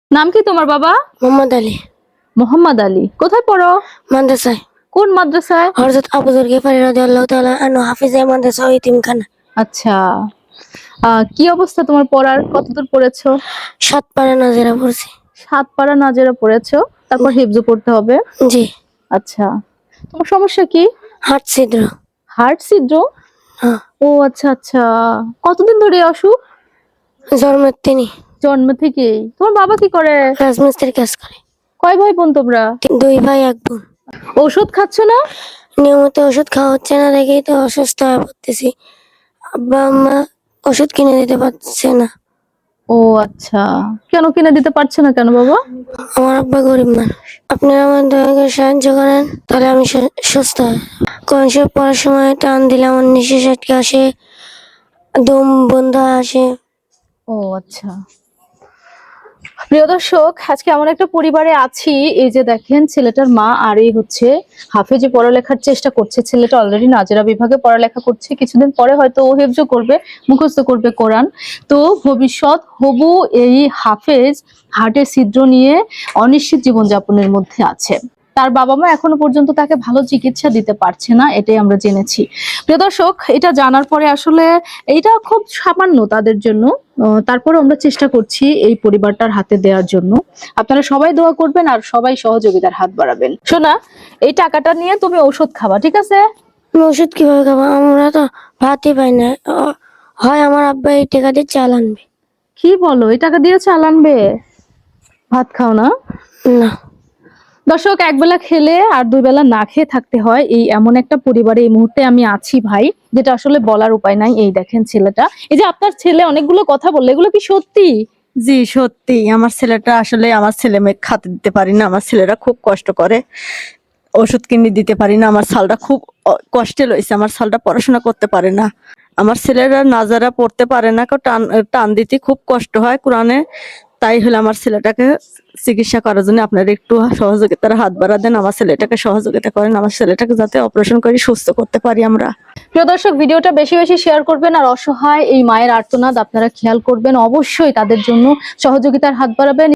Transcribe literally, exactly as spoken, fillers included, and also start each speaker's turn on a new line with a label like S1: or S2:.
S1: নাম কি তোমার বাবা?
S2: মোহাম্মদ আলী।
S1: মোহাম্মদ আলী। কোথায় পড়ো?
S2: মাদ্রাসায়।
S1: কোন মাদ্রাসায়?
S2: হযরত আবু যর গিফারি রাদিয়াল্লাহু তাআলা আনহু হাফিজে মাদ্রাসা ও ইতিমখানা।
S1: আচ্ছা। আহ কি অবস্থা তোমার পড়ার? কতদূর পড়েছো?
S2: সাত পারা নাজেরা পড়ছি।
S1: সাত পারা নাজেরা পড়েছো, তারপর হিফজ পড়তে হবে।
S2: জি।
S1: আচ্ছা, তোমার সমস্যা কি?
S2: হার্ট ছিদ্র।
S1: হার্ট ছিদ্র?
S2: হ্যাঁ।
S1: ও আচ্ছা আচ্ছা। কতদিন ধরে এই অসুখ?
S2: জন্মের তিনি।
S1: জন্ম থেকেই? তোমার বাবা কি করে?
S2: রাজমিস্ত্রির কাজ করে।
S1: কয় ভাই বোন তোমরা?
S2: দুই ভাই এক বোন।
S1: ওষুধ খাচ্ছ না?
S2: নিয়মিত ওষুধ খাওয়া হচ্ছে না দেখেই তো অসুস্থ হয়ে পড়তেছি। আব্বা আম্মা ওষুধ কিনে দিতে পারছে না।
S1: ও আচ্ছা, কেন কিনে দিতে পারছে না কেন বাবা?
S2: আমার আব্বা গরিব মানুষ। আপনারা আমার দয়া করে সাহায্য করেন, তাহলে আমি সুস্থ হই। কোন সময় পড়ার সময় টান দিলে আমার নিঃশ্বাস আটকে আসে, দম বন্ধ আসে।
S1: ও আচ্ছা। প্রিয় দর্শক, আজকে এমন একটা পরিবারে আছি, এই যে দেখেন ছেলেটার মা আর এই হচ্ছে হাফেজে পড়ালেখার চেষ্টা করছে। ছেলেটা অলরেডি নাজেরা বিভাগে পড়ালেখা করছে, কিছুদিন পরে হয়তো ও হেফজ করবে, মুখস্থ করবে কোরআন। তো ভবিষ্যৎ হবু এই হাফেজ হার্টের ছিদ্র নিয়ে অনিশ্চিত জীবনযাপনের মধ্যে আছে। তার বাবা মা এখনো পর্যন্ত তাকে ভালো চিকিৎসা দিতে পারছে না, এটাই আমরা জেনেছি। প্রিয় দর্শক, এটা জানার পরে আসলে এইটা খুব সামান্য তাদের জন্য, তারপরে আমরা চেষ্টা করছি এই পরিবারটার হাতে দেওয়ার জন্য। আপনারা সবাই দোয়া করবেন আর সবাই সহযোগিতার হাত বাড়াবেন। শোনা, এই টাকাটা নিয়ে তুমি ঔষধ খাবা, ঠিক আছে?
S2: ওষুধ কিভাবে খাবো? আমরা তো ভাতই পাই না। হয় আমার আব্বা এই টাকা দিয়ে চাল আনবে।
S1: কি বলো, এই টাকা দিয়ে চাল আনবে? ভাত খাও না?
S2: না।
S1: দর্শক, একবেলা খেলে আর দুই বেলা না খেয়ে থাকতে হয়, এই এমন একটা পরিবারে এই মুহূর্তে আমি আছি ভাই, যেটা আসলে বলার উপায় নাই। এই দেখেন ছেলেটা, এই যে আপনার ছেলে অনেকগুলো কথা বললো, এগুলো কি সত্যি?
S3: জি সত্যি, আমার ছেলেটা আসলে আমার ছেলে মেয়ে খাতে দিতে পারি না, আমার ছেলেরা খুব কষ্ট করে, ওষুধ কিনে দিতে পারি না, আমার ছালটা খুব কষ্টে লইছে, আমার ছালটা পড়াশোনা করতে পারে না, আমার ছেলেরা নাজারা পড়তে পারে না, টান টান দিতে খুব কষ্ট হয় কোরআনে। তাই হলে আমার ছেলেটাকে চিকিৎসা করার জন্য আপনারা একটু সহযোগিতার হাত বাড়া দেন, আমার ছেলেটাকে সহযোগিতা করেন, আমার ছেলেটাকে যাতে অপারেশন করে সুস্থ করতে পারি আমরা।
S1: প্রিয় দর্শক, ভিডিওটা বেশি বেশি শেয়ার করবেন আর অসহায় এই মায়ের আর্তনাদ আপনারা খেয়াল করবেন, অবশ্যই তাদের জন্য সহযোগিতার হাত বাড়াবেন।